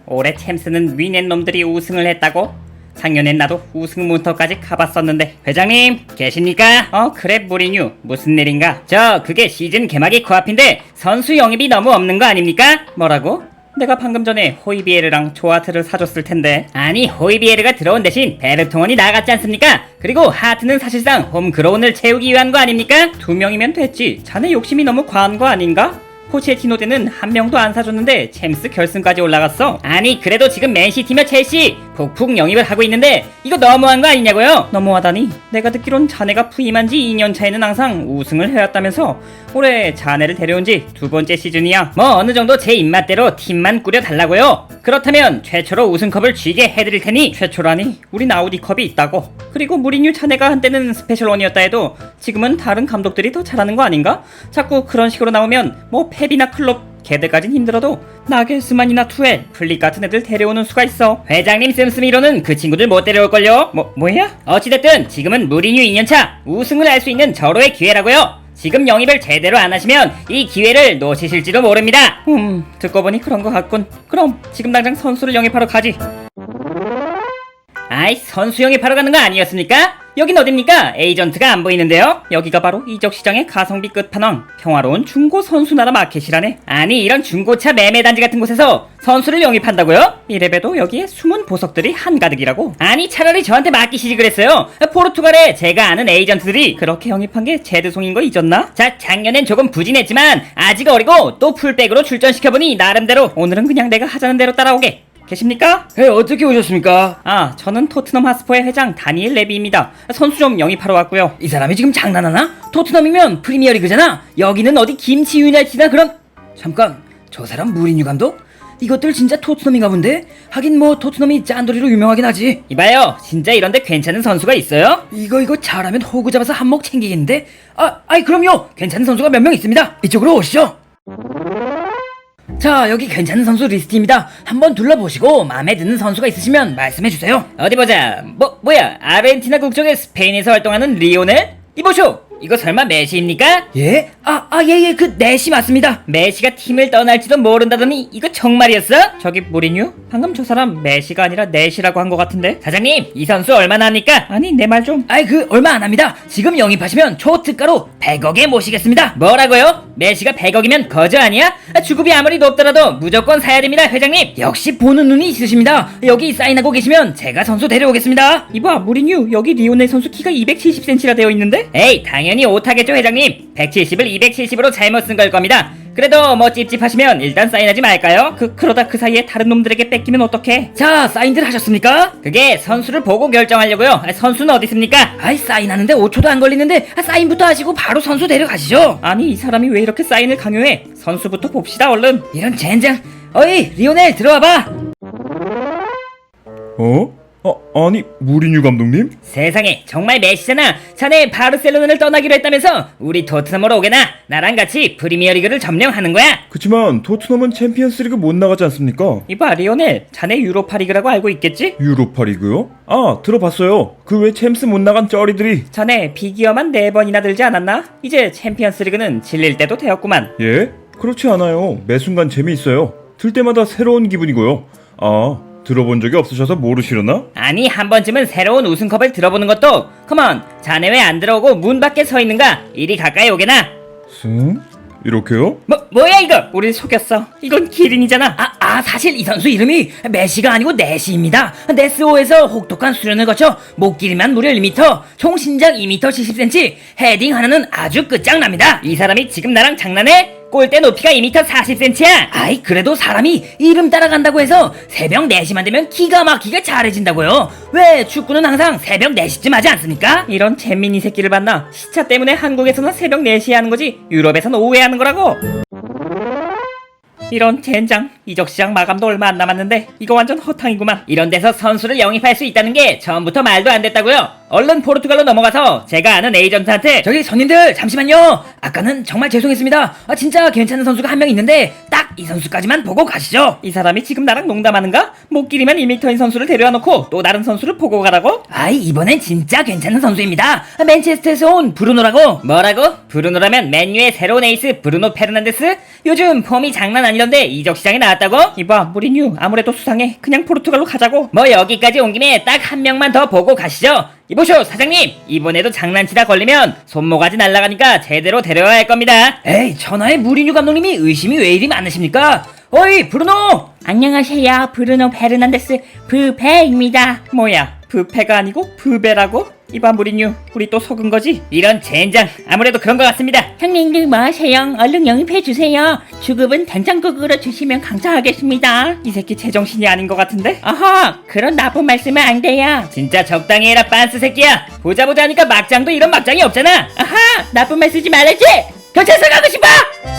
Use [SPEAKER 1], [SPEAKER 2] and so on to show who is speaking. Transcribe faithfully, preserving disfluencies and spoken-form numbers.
[SPEAKER 1] 올해 챔스는 위낸 놈들이 우승을 했다고? 작년엔 나도 우승 문턱까지 가봤었는데. 회장님 계십니까? 어 그래 무리뉴, 무슨 일인가? 저 그게 시즌 개막이 코앞인데 선수 영입이 너무 없는 거 아닙니까? 뭐라고? 내가 방금 전에 호이비에르랑 조아트를 사줬을 텐데. 아니 호이비에르가 들어온 대신 베르통원이 나갔지 않습니까? 그리고 하트는 사실상 홈그로운을 채우기 위한 거 아닙니까? 두 명이면 됐지. 자네 욕심이 너무 과한 거 아닌가? 포체티노 때는 한 명도 안 사줬는데 챔스 결승까지 올라갔어. 아니 그래도 지금 맨시티며 첼시 폭풍 영입을 하고 있는데 이거 너무한 거 아니냐고요? 너무하다니? 내가 듣기론 자네가 부임한 지 이 년 차에는 항상 우승을 해왔다면서. 올해 자네를 데려온 지 두 번째 시즌이야. 뭐 어느 정도 제 입맛대로 팀만 꾸려달라고요. 그렇다면 최초로 우승컵을 쥐게 해드릴 테니. 최초라니? 우린 아우디컵이 있다고. 그리고 무리뉴 자네가 한때는 스페셜원이었다 해도 지금은 다른 감독들이 더 잘하는 거 아닌가? 자꾸 그런 식으로 나오면 뭐 펩이나 클롭 걔들까진 힘들어도 나겔스만이나 투엘, 플릭 같은 애들 데려오는 수가 있어. 회장님 씀씀이로는 그 친구들 못 데려올걸요? 뭐, 뭐야? 어찌됐든 지금은 무리뉴 이 년차 우승을 할 수 있는 절호의 기회라고요. 지금 영입을 제대로 안 하시면 이 기회를 놓치실지도 모릅니다. 음, 듣고 보니 그런 것 같군. 그럼 지금 당장 선수를 영입하러 가지. 아이 선수 영입하러 가는 거 아니었습니까? 여긴 어딥니까? 에이전트가 안 보이는데요? 여기가 바로 이적시장의 가성비 끝판왕, 평화로운 중고 선수나라 마켓이라네. 아니 이런 중고차 매매단지 같은 곳에서 선수를 영입한다고요? 이래봬도 여기에 숨은 보석들이 한가득이라고. 아니 차라리 저한테 맡기시지 그랬어요. 포르투갈에 제가 아는 에이전트들이 그렇게 영입한 게 제드송인 거 잊었나? 자 작년엔 조금 부진했지만 아직 어리고 또 풀백으로 출전시켜보니 나름대로. 오늘은 그냥 내가 하자는 대로 따라오게. 계십니까?
[SPEAKER 2] 네, 어떻게 오셨습니까?
[SPEAKER 1] 아, 저는 토트넘 하스퍼의 회장 다니엘 레비입니다. 선수 좀 영입하러 왔고요.
[SPEAKER 2] 이 사람이 지금 장난하나? 토트넘이면 프리미어리그잖아. 여기는 어디 김치 유나이티나 그런. 잠깐, 저 사람 무리뉴 감독? 이것들 진짜 토트넘인가 본데? 하긴 뭐 토트넘이 짠돌이로 유명하긴 하지.
[SPEAKER 1] 이봐요, 진짜 이런데 괜찮은 선수가 있어요?
[SPEAKER 2] 이거 이거 잘하면 호구 잡아서 한몫 챙기겠는데? 아, 아이 그럼요. 괜찮은 선수가 몇 명 있습니다. 이쪽으로 오시죠. 자, 여기 괜찮은 선수 리스트입니다. 한번 둘러보시고 마음에 드는 선수가 있으시면 말씀해주세요.
[SPEAKER 1] 어디 보자. 뭐 뭐야? 아르헨티나 국적의 스페인에서 활동하는 리오넬? 이보쇼. 이거 설마 메시입니까?
[SPEAKER 2] 예? 아, 아, 예, 예, 그 넷이 맞습니다.
[SPEAKER 1] 메시가 팀을 떠날지도 모른다더니 이거 정말이었어? 저기 무리뉴? 방금 저 사람 메시가 아니라 넷이라고 한 것 같은데. 사장님, 이 선수 얼마나 합니까? 아니 내 말 좀.
[SPEAKER 2] 아이 그 얼마 안 합니다. 지금 영입하시면 초특가로 백억에 모시겠습니다.
[SPEAKER 1] 뭐라고요? 메시가 백억이면 거저 아니야? 주급이 아무리 높더라도 무조건 사야 됩니다, 회장님.
[SPEAKER 2] 역시 보는 눈이 있으십니다. 여기 사인하고 계시면 제가 선수 데려오겠습니다.
[SPEAKER 1] 이봐 무리뉴, 여기 리오넬 선수 키가 이백칠십 센티미터라 되어 있는데? 에이 당연히 오타겠죠 회장님. 백칠십을 이백칠십으로 잘못 쓴 걸 겁니다. 그래도 뭐 찝찝하시면 일단 사인하지 말까요? 그 그러다 그 사이에 다른 놈들에게 뺏기면 어떡해?
[SPEAKER 2] 자, 사인들 하셨습니까?
[SPEAKER 1] 그게 선수를 보고 결정하려고요. 선수는 어디 있습니까?
[SPEAKER 2] 아이 사인하는데 오 초도 안 걸리는데 아, 사인부터 하시고 바로 선수 데려가시죠.
[SPEAKER 1] 아니 이 사람이 왜 이렇게 사인을 강요해? 선수부터 봅시다 얼른.
[SPEAKER 2] 이런 젠장. 어이 리오넬 들어와봐.
[SPEAKER 3] 어? 아, 아니 무리뉴 감독님?
[SPEAKER 1] 세상에 정말 메시잖아. 자네 바르셀로나를 떠나기로 했다면서 우리 토트넘으로 오게나. 나랑 같이 프리미어리그를 점령하는 거야.
[SPEAKER 3] 그치만 토트넘은 챔피언스리그 못 나가지 않습니까?
[SPEAKER 1] 이봐 리오넬, 자네 유로파리그라고 알고 있겠지?
[SPEAKER 3] 유로파리그요? 아 들어봤어요. 그 왜 챔스 못 나간 쩌리들이.
[SPEAKER 1] 자네 비기어만 네 번이나 들지 않았나? 이제 챔피언스리그는 질릴 때도 되었구만.
[SPEAKER 3] 예? 그렇지 않아요. 매 순간 재미있어요. 들 때마다 새로운 기분이고요. 아 들어본 적이 없으셔서 모르시려나?
[SPEAKER 1] 아니 한 번쯤은 새로운 우승컵을 들어보는 것도. 컴온, 자네 왜 안 들어오고 문 밖에 서 있는가? 이리 가까이 오게나.
[SPEAKER 3] 승? 이렇게요?
[SPEAKER 1] 뭐 뭐야 이거? 우릴 속였어. 이건 기린이잖아.
[SPEAKER 2] 아, 아 사실 이 선수 이름이 메시가 아니고 네시입니다. 네스오에서 혹독한 수련을 거쳐 목 길이만 무려 일 미터, 총 신장 이 미터 칠십 센티미터, 헤딩 하나는 아주 끝장납니다.
[SPEAKER 1] 이 사람이 지금 나랑 장난해? 골대 높이가 이 미터 사십 센티미터야.
[SPEAKER 2] 아이 그래도 사람이 이름 따라간다고 해서 새벽 네 시만 되면 기가 막히게 잘해진다고요. 왜 축구는 항상 새벽 네 시쯤 하지 않습니까?
[SPEAKER 1] 이런 잼민이 새끼를 봤나? 시차 때문에 한국에서는 새벽 네 시에 하는 거지 유럽에서는 오후에 하는 거라고. 이런 젠장. 이적시장 마감도 얼마 안 남았는데 이거 완전 허탕이구만. 이런 데서 선수를 영입할 수 있다는 게 처음부터 말도 안 됐다고요. 얼른 포르투갈로 넘어가서 제가 아는 에이전트한테
[SPEAKER 2] 저기 손님들 잠시만요. 아까는 정말 죄송했습니다. 아 진짜 괜찮은 선수가 한 명 있는데 딱 이 선수까지만 보고 가시죠.
[SPEAKER 1] 이 사람이 지금 나랑 농담하는가? 못 기리면 이 미터인 선수를 데려와 놓고 또 다른 선수를 보고 가라고?
[SPEAKER 2] 아이 이번엔 진짜 괜찮은 선수입니다. 아, 맨체스터에서 온 브루노라고.
[SPEAKER 1] 뭐라고? 브루노라면 맨유의 새로운 에이스 브루노 페르난데스? 요즘 폼이 장난 아니던데 이적 시장에 나왔다고? 이봐 무리뉴 아무래도 수상해. 그냥 포르투갈로 가자고. 뭐 여기까지 온 김에 딱 한 명만 더 보고 가시죠. 이보쇼 사장님, 이번에도 장난치다 걸리면 손모가지 날아가니까 제대로 데려와야 할 겁니다.
[SPEAKER 2] 에이 천하의 무리뉴 감독님이 의심이 왜 이리 많으십니까? 어이 브루노.
[SPEAKER 1] 안녕하세요, 브루노 페르난데스 부페입니다. 뭐야, 부페가 아니고 부베라고? 이봐 무리뉴, 우리 또 속은 거지? 이런 젠장, 아무래도 그런 것 같습니다.
[SPEAKER 4] 형님들 뭐 하세요? 얼른 영입해주세요. 주급은 된장국으로 주시면 감사하겠습니다.
[SPEAKER 1] 이 새끼 제정신이 아닌 것 같은데?
[SPEAKER 4] 어허, 그런 나쁜 말씀은 안 돼요.
[SPEAKER 1] 진짜 적당히 해라 빤스 새끼야. 보자 보자 하니까 막장도 이런 막장이 없잖아.
[SPEAKER 4] 아하, 나쁜 말 쓰지 말아야지.
[SPEAKER 1] 경찰서 가고 싶어!